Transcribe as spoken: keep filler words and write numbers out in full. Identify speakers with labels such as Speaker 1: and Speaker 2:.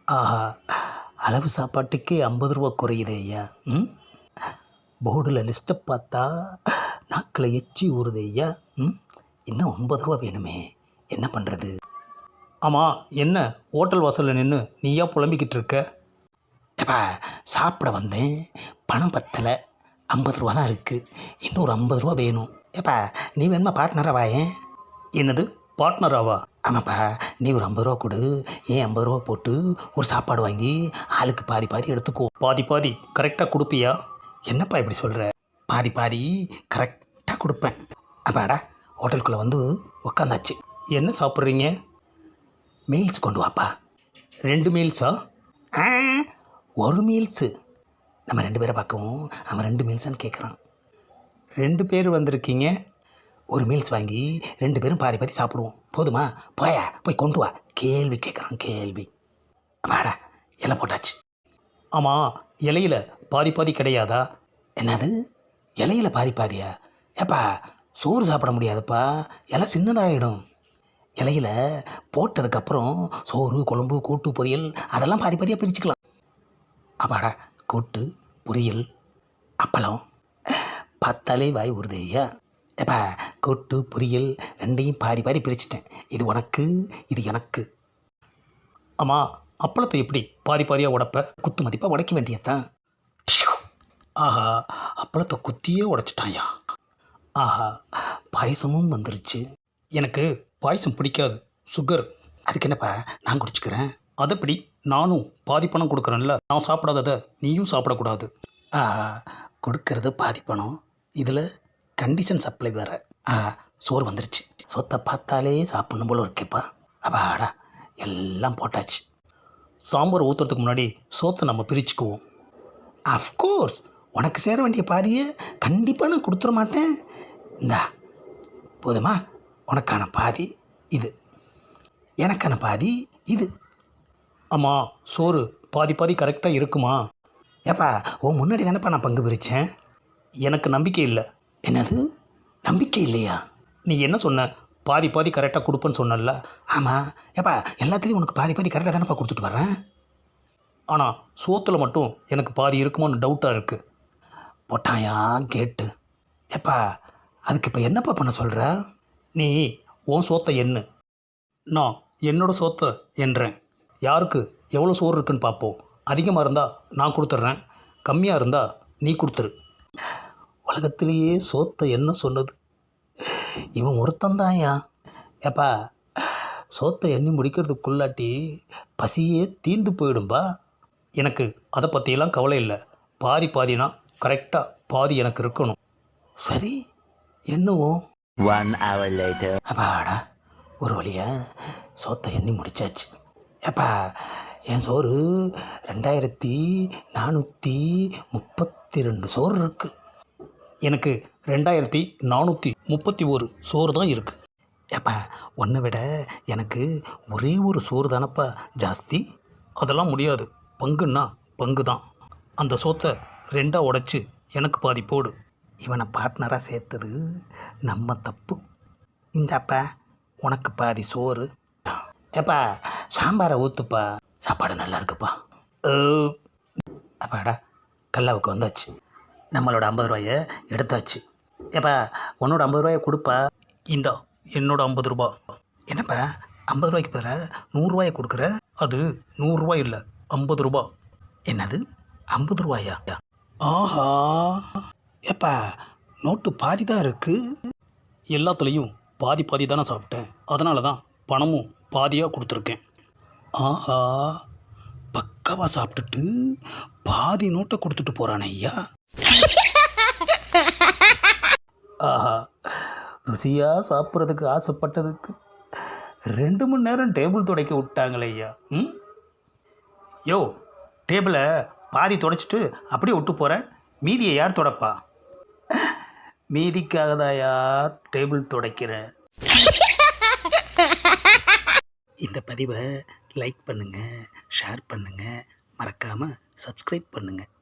Speaker 1: ஆஹா! அளவு சாப்பாட்டுக்கே ஐம்பது ரூபா குறையுதே ஐயா. ம் போர்டில் லிஸ்ட்டை பார்த்தா நாக்கில் எச்சி ஊறுதே ஐயா. ம் இன்னும் ஐம்பது ரூபா வேணுமே, என்ன பண்ணுறது? ஆமாம், என்ன ஹோட்டல் வாசலில் நின்று நீயா புலம்பிக்கிட்டு இருக்க? ஏப்பா, சாப்பிட வந்தேன், பணம் பத்தலை, ஐம்பது ரூபா தான் இருக்குது, இன்னொரு ஐம்பது ரூபா வேணும். ஏப்பா, நீ வேணுமா பார்ட்னராக வாயேன். என்னது பார்ட்னராவா? ஆமாப்பா, நீ ஒரு ஐம்பது ரூபா கொடு, ஏன் ஐம்பது ரூபா போட்டு ஒரு சாப்பாடு வாங்கி ஆளுக்கு பாதி பாதி எடுத்துக்கோ. பாதி பாதி கரெக்டாக கொடுப்பியா? என்னப்பா இப்படி சொல்கிற? பாதி பாதி கரெக்டாக கொடுப்பேன். அப்பாடா, ஹோட்டலுக்குள்ளே வந்து உக்காந்தாச்சு. என்ன சாப்பிட்றீங்க? மீல்ஸ் கொண்டு வாப்பா. ரெண்டு மீல்ஸா? ஆ, ஒரு மீல்ஸு. நம்ம ரெண்டு பேரை பார்க்கவும் அவன் ரெண்டு மீல்ஸான்னு கேட்குறான். ரெண்டு பேர் வந்திருக்கீங்க, ஒரு மீல்ஸ் வாங்கி ரெண்டு பேரும் பாதி பாதி சாப்பிடுவோம், போதுமா? போயா, போய் கொண்டு வா. கேள்வி கேட்குறான், கேள்வி. அப்பாடா, இலை போட்டாச்சு. ஆமாம், இலையில பாதி பாதி கிடையாதா? என்னது, இலையில பாதி பாதியா? ஏப்பா, சோறு சாப்பிட முடியாதுப்பா, இலை சின்னதாகிடும். இலையில போட்டதுக்கப்புறம் சோறு, குழம்பு, கூட்டு, பொரியல் அதெல்லாம் பாதி பாதியாக பிரிச்சுக்கலாம். அப்பாடா, கூட்டு, பொரியல், அப்பளம் பார்த்தாலே வாய் உறுதி ஐயா. ஏப்பா, கூட்டு, பொரியல் ரெண்டையும் பாதி பாதி பிரிச்சுட்டேன். இது உனக்கு, இது எனக்கு. ஆமாம், அப்பளத்தை எப்படி பாதி பாதியாக உடைப்ப? குத்து மதிப்பாக உடைக்க வேண்டியதுதான். ஆஹா, அப்பளத்தை குத்தியே உடைச்சிட்டாயா. ஆஹா, பாயசமும் வந்துருச்சு. எனக்கு பாயசம் பிடிக்காது, சுகர். அதுக்கு என்னப்பா, நான் குடிச்சுக்கிறேன். அதைப்படி நானும் பாதி பணம் கொடுக்குறேன்ல, நான் சாப்பிடாததை நீயும் சாப்பிடக்கூடாது. ஆஹா, கொடுக்கறது பாதி பணம், இதில் கண்டிஷன் சப்ளை வேறு. ஆஹா, சோறு வந்துருச்சு. சொத்தை பார்த்தாலே சாப்பிட்ணும் போல இருக்கேப்பா. அப்பாடா, எல்லாம் போட்டாச்சு. சாம்பார் ஊற்றுறதுக்கு முன்னாடி சோத்தை நம்ம பிரிச்சுக்குவோம். அஃப்கோர்ஸ், உனக்கு சேர வேண்டிய பாதியை கண்டிப்பாக நான் கொடுத்துட மாட்டேன். இந்தா, போதுமா? உனக்கான பாதி இது, எனக்கான பாதி இது. ஆமாம், சோறு பாதி பாதி கரெக்டாக இருக்குமா? ஏப்பா, ஓ முன்னாடி தானேப்பா நான் பங்கு பிரித்தேன். எனக்கு நம்பிக்கை இல்லை. என்னது, நம்பிக்கை இல்லையா? நீ என்ன சொன்ன? பாதி பாதி கரெக்டாக கொடுப்பேன்னு சொன்னல. ஆமாம். ஏப்பா, எல்லாத்துலேயும் உனக்கு பாதி பாதி கரெக்டாக தானேப்பா கொடுத்துட்டு வர்றேன். ஆனால் சோத்தில் மட்டும் எனக்கு பாதி இருக்குமான்னு டவுட்டாக இருக்குது. போட்டாயா கேட்டு. ஏப்பா, அதுக்கு இப்போ என்னப்பா பண்ண சொல்கிற? நீ உன் சோத்தை எண்ணு, நான் என்னோட சோத்தை எண்ணுறேன். யாருக்கு எவ்வளோ சோறு இருக்குன்னு பார்ப்போம். அதிகமாக இருந்தால் நான் கொடுத்துட்றேன், கம்மியாக இருந்தால் நீ கொடுத்துரு. உலகத்திலேயே சோத்தை என்ன சொன்னது இவன் ஒருத்தந்தாயா. ஏப்பா, சோத்தை எண்ணி முடிக்கிறதுக்குள்ளாட்டி பசியே தீர்ந்து போயிடும்பா. எனக்கு அதை பற்றியெல்லாம் கவலை இல்லை. பாதி பாதினா கரெக்டாக பாதி எனக்கு இருக்கணும். சரி, என்னவும்.
Speaker 2: One hour later.
Speaker 1: அப்பாடா, ஒரு வழியாக சோத்தை எண்ணி முடிச்சாச்சு. ஏப்பா, என் சோறு ரெண்டாயிரத்தி நானூற்றி முப்பத்தி ரெண்டு சோறு இருக்குது. எனக்கு ரெண்டாயிரத்தி நானூற்றி முப்பத்தி ஒரு சோறு தான் இருக்குது. ஏப்பா, ஒன்றை விட எனக்கு ஒரே ஒரு சோறு தானப்பா ஜாஸ்தி. அதெல்லாம் முடியாது, பங்குன்னா பங்கு தான். அந்த சோத்தை ரெண்டாக உடைச்சி எனக்கு பாதி போடு. இவனை பார்ட்னராக சேர்த்தது நம்ம தப்பு. இந்தாப்பா, உனக்கு பாதி சோறு. ஏப்பா, சாம்பாரை ஊற்றுப்பா, சாப்பாடு நல்லா இருக்குப்பா. அப்பாடா, கல்லாவுக்கு வந்தாச்சு. நம்மளோட ஐம்பது ரூபாயை எடுத்தாச்சு. ஏப்பா, உன்னோட ஐம்பது ரூபாயை கொடுப்பா. இந்தா, என்னோட ஐம்பது ரூபா. என்னப்பா, ஐம்பது ரூபாய்க்கு பதிலாக நூறுரூவாயை கொடுக்குற? அது நூறுரூவா இல்லை, ஐம்பது ரூபா. என்னது, ஐம்பது ரூபாயா? ஆஹா, ஏப்பா, நோட்டு பாதி தான் இருக்குது. எல்லாத்துலேயும் பாதி பாதி தானே சாப்பிட்டேன், அதனால தான் பணமும் பாதியாக கொடுத்துருக்கேன். ஆஹா, பக்காவாக சாப்பிட்டுட்டு பாதி நோட்டை கொடுத்துட்டு போகிறானே ஐயா. ஆஹா, ருசியாக சாப்பிட்றதுக்கு ஆசைப்பட்டதுக்கு ரெண்டு மணி நேரம் டேபிள் துடைக்க விட்டாங்களே ஐயா. ம் யோ, டேபிளை பாதி துடைச்சிட்டு அப்படியே விட்டு போகிறேன், மீதியை யார் துடைப்பா? மீதிக்காக தாயா டேபிள் துடைக்கிறேன். இந்த பதிவை லைக் பண்ணுங்கள், ஷேர் பண்ணுங்கள், மறக்காமல் சப்ஸ்கிரைப் பண்ணுங்கள்.